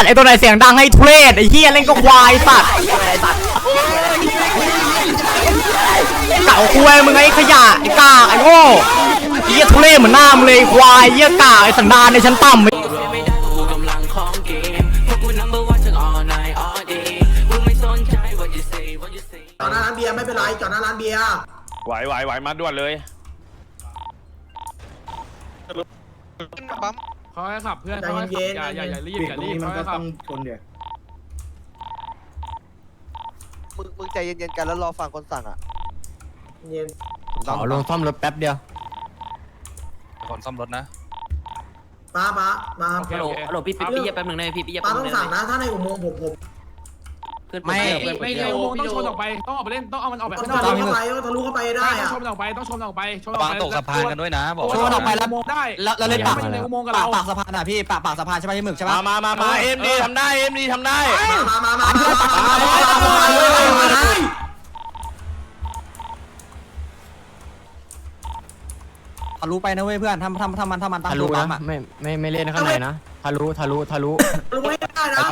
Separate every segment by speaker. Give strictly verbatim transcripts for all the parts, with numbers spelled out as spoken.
Speaker 1: ไอตัวไหนเสียงดังให้ทุเรศไอเฮียเล่นก็ควายสัตว์เก่าคุยมึงไอ้ขยะไอ้กากไอ้โง่เฮียทุเรศเหมือนหน้ามึงเลยควายเฮียกากไอ้สันดานในชั้นต่ำ
Speaker 2: จอดหน้าร้านเบียร์ไม่เป็นไรจอดหน้าร้านเบียร์
Speaker 3: ไหวไหวไหวมาด่วนเลย
Speaker 4: เขาให้ขับเพื่อนเขาให้ขับอย่าอย่าอย่ารีบอย่ารีบเขาให้ขับชนเดี๋ยว
Speaker 5: มึงมึงใจเย็นๆกันแล้วรอฟังคนสั่งอ่ะ
Speaker 2: เย็น
Speaker 1: ขอลงซ่อมรถแป๊บเดียว
Speaker 3: คนซ่อมรถนะ
Speaker 2: ป้าป้าป้า
Speaker 4: ฮัลโหลฮัลโหลพี่พี่พี่แป๊บนึงนะพี่พี่
Speaker 2: ป้าต้องสั่งนะถ้าในอุโมงค์ผมผม
Speaker 1: ไม่
Speaker 4: ไม่เร็วต้องชนออกไปต้องออกไปเล่นต้องเอามันออกไป
Speaker 2: ต้องทะลุเข้าไปต้องทะลุเข้าไปได้อะ
Speaker 4: ต้องชนออกไปต้องชนออกไปชนออก
Speaker 3: วาง
Speaker 4: ไป
Speaker 3: ตกสะพานกันด้วยนะบอก
Speaker 4: ชนออกไปแล้วได้
Speaker 1: แล้วเล่นปาก
Speaker 4: ในอุโมงค์กับ
Speaker 1: ปา
Speaker 4: เรา
Speaker 1: กปากสะพานอ่ะพี่ปากปากสะพานใช่ไหมที่หมึกใช่ไหม
Speaker 3: มามามามาเอ็มดีทำได้เอ็มดีทำได้
Speaker 2: มามามา
Speaker 1: ทะลุไปนะเว้ยเพื่อนทำทำทำมันทำมันทะลุนะไม่ไม่ไม่เล่นข้างในนะทะลุทะลุทะลุ
Speaker 2: ทะลุไม่ได้นะ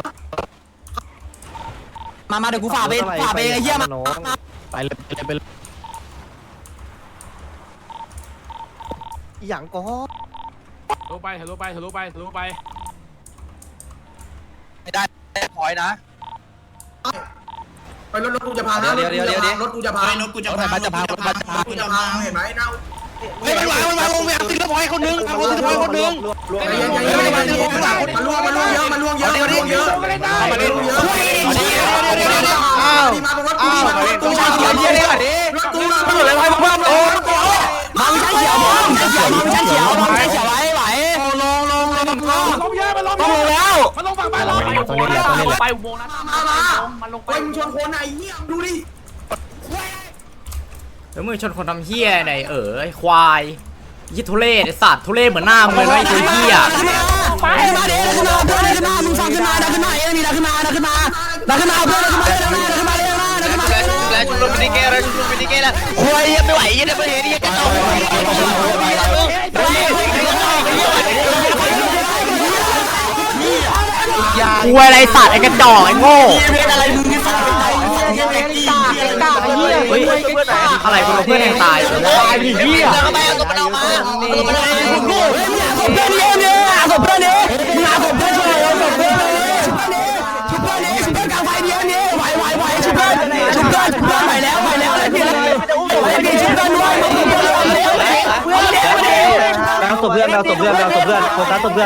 Speaker 1: มามาเดี๋ยวกูฝ่าไปฝ่าไปไอ้เหี้ยมาไปเลยไปเลย
Speaker 5: อย่างก็
Speaker 4: ทะลุไปทะลุไปทะลุไปทะลุไป
Speaker 3: ไม่ได้พอยนะ
Speaker 2: ไปรถรถกูจะพานะรถกูจะพารถกูจะพารถกูจะพารถจะพารถกูจะพาเห็นไหมเน่า
Speaker 3: เฮ้ยมันวางมันวางลงไปเอาติดละพอยคนนึงเอาติดละพอยคนนึง
Speaker 2: มันล่วงมันล่วงเยอะมันล่วงเยอะมันล่วงเยอะมันล่วงเยอะอ้าวมาตรงรถกูมารถกูชาเขียวเยอะเลยรถกูมาไม่หยุดเลยไปเพิ่มโอ้มาไม่ใช่เขียวมาไม่ใช่เขียวมาไม่ใช่เขียวมาไม่ใช่เขียวไหวไหวลงลงลงลง
Speaker 4: ลงเยอะมันลง
Speaker 2: ลงแล้ว
Speaker 4: มันลงฝั่งไปลงไปอุโมงค์ไปอุโมงค์นะ
Speaker 2: มามามันลงไปมึงชนคนไหนเหี้ยดูดิ
Speaker 1: แล้วมึงชนคนทำเหี้ยไหนเออไอ้ควายยี่ทุเรศไอ้สัตว์ทุเรศเหมือนหน้ามึงเลยไอ้ตัวเหี้ย
Speaker 2: ไปมาเดี๋ยวขึ้นมาเพื่อนขึ้นมามึงฟังขึ้นมาดันขึ้นมาเอ็มมีดันขึ้นมาดันขึ้นมาดันขึ้นมาเพื่อนดันขึ้นมาดันขึ้นมาดันขึ้นมาดันขึ้นมา
Speaker 3: แล้วชุบลมมินิเกแล้วชุบลมมินิเกแล้วโอ้ยไม่ไหวยังไม่เห็นยังกระต่าย
Speaker 1: กูอะไรสัตว์ไอ้กระจอกไอ้โง่
Speaker 2: อะไรมึงนี่สัตว์
Speaker 1: เฮ้ยอะไรกูเพื่อนแทงตายตายดิเหี้ย
Speaker 3: เข้าไปเอาตัวมันออกมาเอาตัวมันออกมา
Speaker 2: เพื่อนเนี่ยเนี่ยเอาเพื่อนเนี่ยมึงเอาเพื่อนช่วยเอาเพื่อนชุบเพื่อนเนี่ยชุบเพื่อนกลางไฟเดียวเนี่ยไหวไหวไหวชุบเพื่อนชุบเพื่อนชุบเพื่อนไหวแล้วไหวแล้วเลยพี่เลยพี่ชุบเพื่อนด้วยเพื่อนเพื่อนเพื่อน
Speaker 6: แมวตบเพื่อนแมวตบเพื่อนแมวตบเพื่อนโฟกัสตบเพื่อน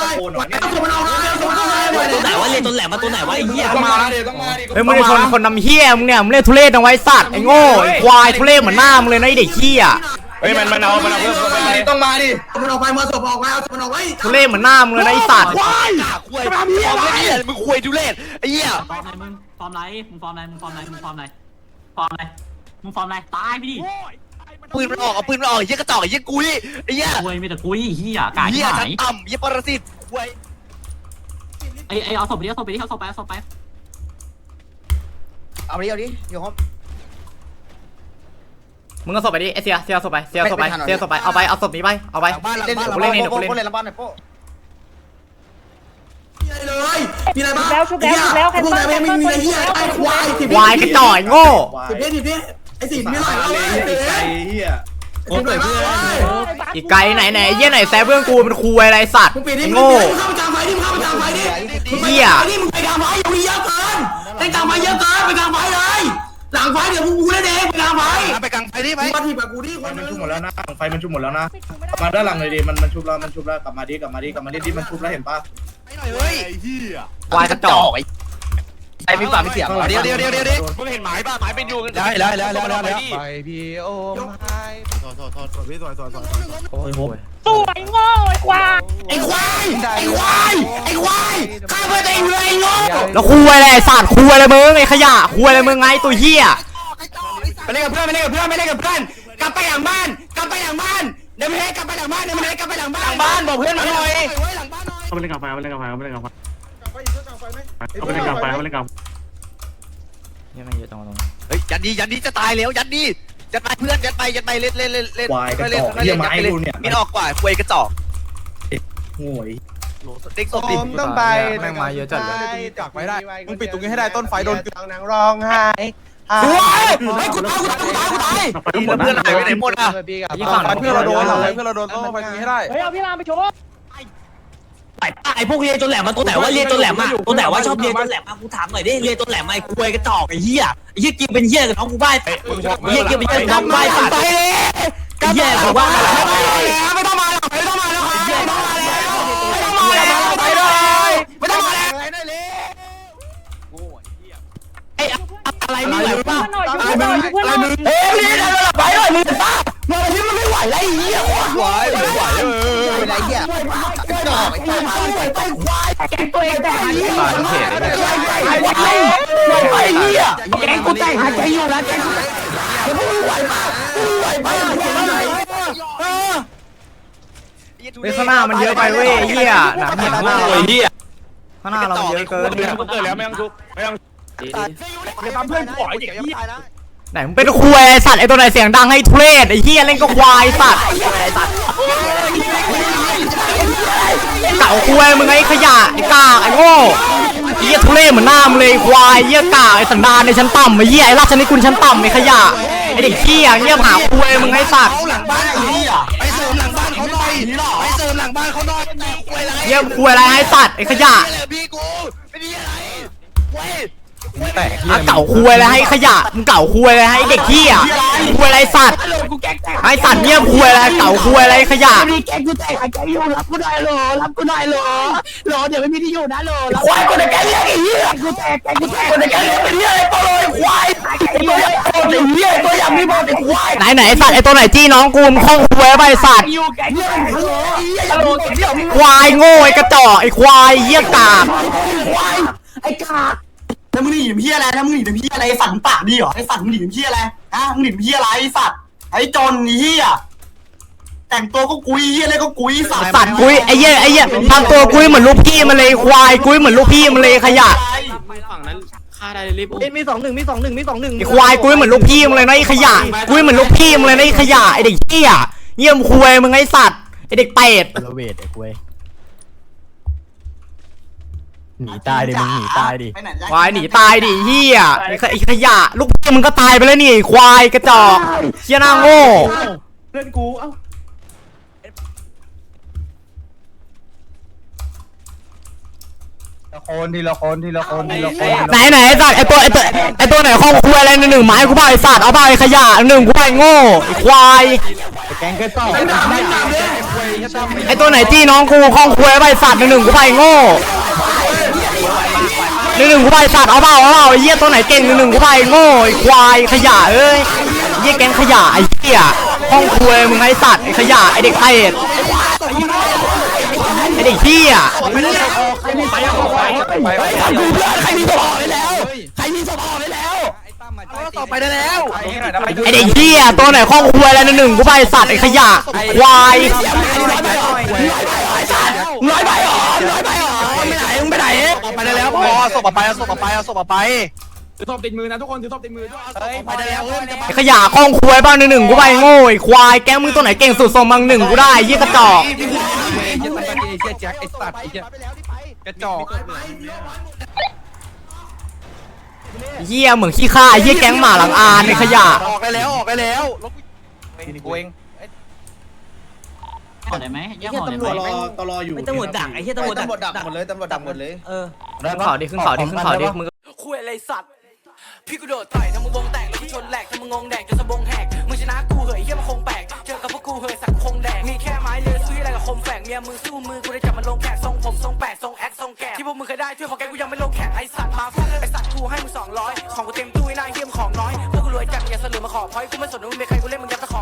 Speaker 2: ตัวไหนวะเรียนตัวแหลมมาตัวไหนวะไอ้เหี้ยมา
Speaker 1: เฮ้ยมึงจะชนคนนำเหี้ยมึงเนี่ยมึงเล่นทุเรศเอาไว้สัตว์ไอ้โง่ไอ้ควายทุเรศเหมือนหน้ามึงเลยนะไอ้เด็กเหี้ย
Speaker 3: เฮ้ยมันมันเอามันเอาเพิ่มเข้าไป
Speaker 2: ต้องมาดิมันออกไปมาศพออกไปเอามันออกไว้
Speaker 1: ทุเรศเหมือนหน้ามึงเลยนะไอ้สัตว์
Speaker 3: ควายควายจะทำเหี้ยอะไรมึงควายทุเรศไอ้เหี้ย
Speaker 7: ฟอร์มไหนมึงฟอร์มไหนมึงฟอร์มไหนมึงฟอร์มไหนมึงฟอร์มไหนฟอร์มไหนมึงฟอร์มไหนตายไปดิ
Speaker 3: ปืนมันออกเอาปืนมันออกเหี้ยกระจอกเหี้ยกุยไอ้เหี้ย
Speaker 7: กุยไม่แต่กุยเหี้ยกาย
Speaker 3: เหี้ย
Speaker 7: ไหน
Speaker 3: ชั้นต่ำเหี้ยปรสิตควาย
Speaker 7: ไอ้ไอ้เอาศพไปดิเอาศพไปดิเอาศพไปเอาศพไป
Speaker 5: เอาดิเอาดิเดี๋ยวครับ
Speaker 1: มึงก็ศพไปดิไอเสียเสียศพไปเสียศพไปเสียศพไปเอาไปเอาศพนี้ไปเอาไปกูเล่นเองเดี๋ยวกูเล่น
Speaker 5: ละบ้านไหนโป๊ะ
Speaker 2: เลยมีอะไรบ้างแล้วชุบแล้วชุบแล้วใครบ้างไม่มีอะไรเหี้ยไอ้ควาย
Speaker 1: ควายกระจอกโง่
Speaker 2: สิบเอ็ดสิบเอ็ดไอ้สิบไม่หน่อยเลยไอ้เหี้ยโอ้ยเพื่อน
Speaker 1: อีกไกลไหนไหนเยี่ยไหนแซ่เพื่อนกูเป็นคูอะไรสัตว์โง่
Speaker 2: เข้าไปกลางไฟดิเข้าไปกลางไฟดิ
Speaker 1: เหี้ย
Speaker 2: นี่มึงไปกลางไฟอย่ามีเยอะเกินไปกลางไฟเยอะเกินไปกลางไฟเลยหลังไฟเดี๋ยวกูเล่นเองไปกลางไฟ
Speaker 3: ไปกลางไฟดิไป
Speaker 2: มาทีแบบกูดิ
Speaker 6: ไฟมันชุบหมดแล้วนะไฟมันชุบหมดแล้วนะมาด้านหลังเลยดิมันมันชุบแล้วมันชุบแล้วกลับมาดิกลับมาดิกลับมาดิดิมันชุบแล้วเห็นปะ
Speaker 3: ไปหน่อยเฮ้ยไอ้เหี้ย
Speaker 1: ควายกระจอก
Speaker 3: ไอ้มีปากมีเสียงเดี๋ยวเดี๋ยวเดี๋ยวเดี๋ยวเดี๋ยวมึงเห็นหมายป่ะหมายเป็นอยู่
Speaker 6: ได้แล้วแล้วแล้วแล้ว
Speaker 3: ไปพี่โอ้ย
Speaker 6: โทษโทษโทษโทษพี่โทษโทษโทษโอ้ยโห
Speaker 2: สวยโง่ไอ้ควายไอ้ควายไอ้ควายไอ้ควายข้าเพื่อตัวเองเลยไอ้โง่
Speaker 1: แล้วคุยอะไรสัตว์คุยอะไรมึงไอ้ขยะคุยอะไรมึงไงตัวเหี้ย
Speaker 2: ไปเล่นกับเพื่อนไปเล่นกับเพื่อนไปเล่นกับเพื่อนกลับไปหลังบ้านกลับไปหลังบ้านเดี๋ยวมันให้กลับไปหลังบ้านเดี๋ยวมันให้กลับไปหลังบ้านหลังบ้านบอกเพื่อนมาหน่อย
Speaker 4: เขาไปเล่นกับไฟเขาไปเล่นกับไฟเขาไปเล่นกับไฟเขาไปเล่นกับไฟเขาไปเล่นกับ
Speaker 1: นี่มันเยอะจังตรงนี้
Speaker 3: เฮ้ยยันดียันดีจะตายแล้วยันดียัดไปเพื่อนยัดไปยัดไปเล่นเล่นเล่นเล่น
Speaker 6: ควายกระจอกเหี้ยไม้กูเนี่ย
Speaker 3: มีออกกว่าควายกระจอก
Speaker 6: โง่
Speaker 2: เด็กศพดิ
Speaker 5: ผมต้องไป
Speaker 1: แม่งมาเยอะจัดเลย
Speaker 2: จักไว้ได้มึงปิดตรงนี้ให้ได้ต้นไฟโดน
Speaker 5: ต้องนั่งร้องไห้
Speaker 2: โอ้ยไอ้กูตายกูตายกูตายกูตาย
Speaker 4: เพื่อนหายไปไหนหมดอ่ะ
Speaker 1: ยี่ฝั่ง
Speaker 2: เพื่อนเราโดนเราเพื่อนเราโดนต้นไฟนี้ให้ได้
Speaker 3: ไอ้ป้าไอ้พวกเรียนจนแหลมมาตัวไหนว่าเรียนจนแหลมมาตัวไหนว่าชอบเรียนจนแหลมมากูถามหน่อยดิเรียนจนแหลมมาไอ้คุยกระจอกไอ้เหี้ยไอ้เหี้ยกินเป็นเหี้ยกับน้องกูบ้าเหี้ยกินเป็นเหี้ยกับน้องกูบ้าสัตว์ไอ้เหี้ยกูว่าไม่ต้องมาแล้วไม่ต้องมาแล้วไม่ต้องมาแล้วไม่ต้องมาแล้วไปเลยไม่ต้องมาแล้วไอ้อะไรมึงไหวป่ะอะไรมึงอะไรมึงเฮ้ยนี่เดินไปเลยมึงป้าเมื่อที่มันไม่ไหวแล้วไอ้เหี้ยไหวไม่ไหวเออ
Speaker 5: อะไรเงี้ยกระจอกไอ้
Speaker 3: ไปควายแกงตัวเองแต่หายใจไอ้ไอ้ไอ้เหี้ยแกงกูแต่หายใจอยู่นะแกงกูไม่ไหวมากไม่ไหวมากเออ
Speaker 1: เฮ้ยข้างหน้ามันเยอะไปเว้ยเฮียหนักเห็นมากเลยเฮียข้างหน้าเรามันเยอะเกิน
Speaker 4: เกิดแล้วไม่ต้องทุบไม่ต้องอย่าทำเพื่อนปล่อยเด็กเหี้ย
Speaker 1: ไหนมึงเป็นควายไอ้สัตว์ไอ้ตัวไหนเสียงดังให้ทุเรศไอ้เฮียเล่นก็ควายสัตว์เต่าควายมึงไอ้ขยะไอ้กากไอ้โง่เฮียทุเรศเหมือนหน้ามึงเลยควายเฮียกากไอ้สันดานในชั้นต่ำไอ้เฮียไอ้ราชนิกุลชั้นต่ำไอ้ขยะไอ้เด็กเฮียเงียบหาควายมึงไอ้สัตว์
Speaker 2: หลังบ้านไอ้เหี้ยไปเสริมหลังบ้านเขาหน่อยไปเสริมหลังบ้านเขาหน่อยคุยอะไร
Speaker 1: เฮียควายอะไรให้สัตว์ไอ้ขยะ
Speaker 2: พี่กูไม่ดีอะไรคุย
Speaker 1: อ่ะเก่าคุยอะไรให้ขยะมึงเก่าคุยอะไรให้เด็กเฮียคุยอะไรสัตว์ไอ้สัตว์เงียบคุยอะไรเก่าคุยอะไรขยะ
Speaker 3: มีแกงกูแต่หายใจอยู่รับกูหน่อยโหลรับกูหน่อยโหลโหลเดี๋ยวไม่มีที่อยู่นะโหลควายกูในแกงเลี้ยงไอ้เหี้ยกูแตกแกงกูแตกกูในแกงเลี้ยงไอ้เหี้ยไอ้ตัวเลยควายไอ้ตัวไอ้ตัวเหี้ยตัวอย่างมีบอลไอ้ควาย
Speaker 1: ไหนไหนไอ้สัตว์ไอ้ตัวไหนจี้น้องกูมึงคล้องคุยไปไอ้สัตว์
Speaker 3: อยู่แกงเลี้ยงฮัลโหลฮัลโหลแกงเลี้ยง
Speaker 1: ควายโง่ไอ้กระจอกไอ้ควายเหี้ยกาก
Speaker 3: ควายไอ้กากถ้ามึงหนีเหี้ยอะไรถ้ามึงหนีเหี้ยอะไรไอ้สัตว์ปากดีเหรอไอ้สัตว์มึงหนีเหี้ยอะไรฮะมึงหนีเหี้ยอะไรไอ้สัตว์ไอ้จนเหี้ยแต่งตัวก็กุยเหี้ยอะไรก็กุยสัตว์
Speaker 1: สัตว์กุ้ยไอ้เหี้ยไอ้เหี้ยทำตัวกุ้ยเหมือนลูกพี่มันเลยควายกุ้ยเหมือนลูกพี่มันเลยขยะ
Speaker 4: ฝั่งนั้นฆ่าได้รีบ
Speaker 5: มีสองหนึ่งมีสองหนึ่งมีสองหนึ่ง
Speaker 1: ไอ้ควายกุ้ยเหมือนลูกพี่มันเลยนะไอ้ขยะกุ้ยเหมือนลูกพี่มันเลยนะไอ้ขยะไอ้เด็กเหี้ยเยี่ยมควายมึงไอ้สัตว์ไอ้เด็กเป็ด
Speaker 5: ระเวทไอ้คุยหนีตายดิมึงหนีตายดิ
Speaker 1: ควายหนีตายดิเหี้ยไอ้ขไอ้ขยะลูกพี่มึงก็ตายไปแล้วนี่ไอ้ควายกระจอกเหี้ยหน้าโง่
Speaker 6: เพื่อนกูเอ้าคนทีละคนทีละคนทีละคน
Speaker 1: ไหนไหนไอ้สัตว์ไอ้ตัวไอ้ตัวไอ้ตัวไหนข้องคุยอะไรหนึ่งไม้กูเปล่าไอ้สัตว์เอาเปล่าไอ้ขยะหนึ่งกูเปล่าไอ้โง่ไอ้ควาย
Speaker 5: แกงกระจอก
Speaker 1: ไอ้ตัวไหนจี้น้องกูข้องคุยไอ้สัตว์หนึ่งหนึ่งกูไปโง่หนึ่งหนึ่งกูไปสัตว์เอาเปล่าเอาเปล่าไอ้เหี้ยตัวไหนเก่งหนึ่งหนึ่งกูไปโง่ไอ้ควายขยะเอ้ยเหี้ยแกงขยะไอ้เหี้ยข้องคุยมึงไอ้สัตว์ไอ้ขยะไอ้เด็กเป็ดไอ้เด็กเหี้ย
Speaker 3: ใครมีสมองไปแล้วใครมีสมองไปแล้ว
Speaker 2: ต่อไปได้แล้ว
Speaker 1: ไอ้เด็กเหี้ยตัวไหนข้องคุยอะไรหนึ่งหนึ่งกูไปสัตว์ไอ้ขยะควาย
Speaker 3: ร้อยใบหรอร้อยใบหรอไม่ไหนมึงไปไหน
Speaker 2: ไปได้แล้วพอส่งไปเอาส่งไปเอาส่งไป
Speaker 4: ถือศพติดมือนะทุกคนถือศพติดมือด้วย
Speaker 2: เฮ้ยไปได้แล้วเฮ้ย
Speaker 1: ไอ้ขยะข้องคุยบ้างหนึ่งหนึ่งกูไปโง่ไอ้ควายแกมึงตัวไหนเก่งสุดส่งมังหนึ่งกูได้เหี้ยกระจอก
Speaker 2: แจ็คไอ้สัตว์ไอ้กระจอก
Speaker 1: เหี้ยเหมือนขี้ข้าเหี้ยแก๊งหมาหลังอานไอ้ขยะ
Speaker 2: ออกได้แล้วออกได้แล้วรถกูเอง
Speaker 7: ห่อได้ไหมแยกห่อได้
Speaker 6: ตำรวจ
Speaker 7: ไห
Speaker 6: ร
Speaker 7: ม
Speaker 6: อตลออยู่
Speaker 3: ไม่ตำรวจดักไอ้เหี้ยตำรวจดัก
Speaker 2: ตำรวจดักหมดเลยตำรวจดักหมดเลย
Speaker 3: เออ
Speaker 1: ขึ้นเขาดิขึ้นเขาดิขึ้นเขาดิมึง
Speaker 8: คุยอะไรสัตว์พี่กูโดดต่อยทำมึงวงแตกแล้วกูชนแหลกทำมึงงงแดกจนสะบงแหกมึงชนะกูเหยเหี้ยมันคงแปลกเจอกับพวกกูเหยสักคงแดกมีแค่ไม้เลือยสู้อะไรกับคมแฝกเมียมึงสู้มือกูได้จับมันลงแขกทรงผมทรงแปดทรงแอคทรงแกะที่พวกมึงเคยได้ช่วยของแกกูยังไม่ลงแขกไอสัตว์มาฟาดไอสัตว์กูให้มึงสองร้อยของกูเต็มตู้ไอ้นายเหี้ยมของน้อยพวกกูรวยจัดอย่าเสลือมาขอพอยกูไม่สนว่ามึงเป็นใครกูเล่นมึงยัดตะขอ